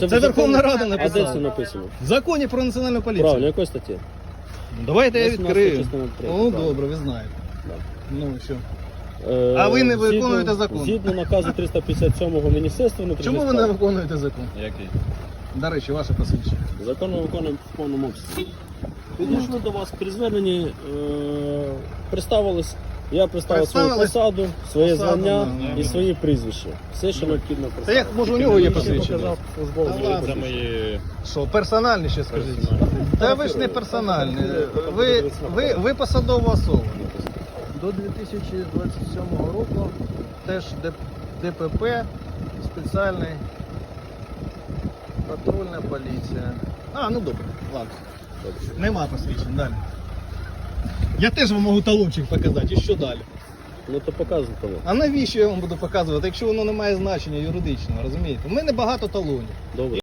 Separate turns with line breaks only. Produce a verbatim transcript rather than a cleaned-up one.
Це
Це Верховна Рада
А де це
написала.
написано?
В законі про національну поліцію.
Правильно, якої статті?
Давайте я
вісімнадцята
відкрию.
частина три,
О,
правильно.
добре, ви знаєте.
Да.
Ну що.
Е,
А ви не
згідно-
виконуєте закон.
Згідно наказу триста п'ятдесят сьомого Міністерства внутрішніх
Чому ви не
справ.
виконуєте закон?
Який?
До речі, ваше посвідчення.
Закон ми виконуємо в повному обсязі. Підійшли до вас при зверненні, е, представились. Я представив свою
Представились?
посаду, своє
Посаду,
звання
да.
і свої прізвища. Все, що необхідно
Та
представити.
як, може у нього є
Ще
посвідчення?
показав службове
Та
своє
ладно.
Це
посвідчення.
мої...
Що, персональні ще скажіть? Та ви ж не персональні. Ви, ви, ви посадова особа. До дві тисячі двадцять сьомого року теж ДПП, спеціальний патрульна поліція. А, ну добре, ладно. Нема посвідчень, далі. Я теж вам можу талончик показати, і що далі?
Ну то показуй того.
А навіщо я вам буду показувати, якщо воно не має значення юридичного, розумієте? У мене багато талонів.
Добре.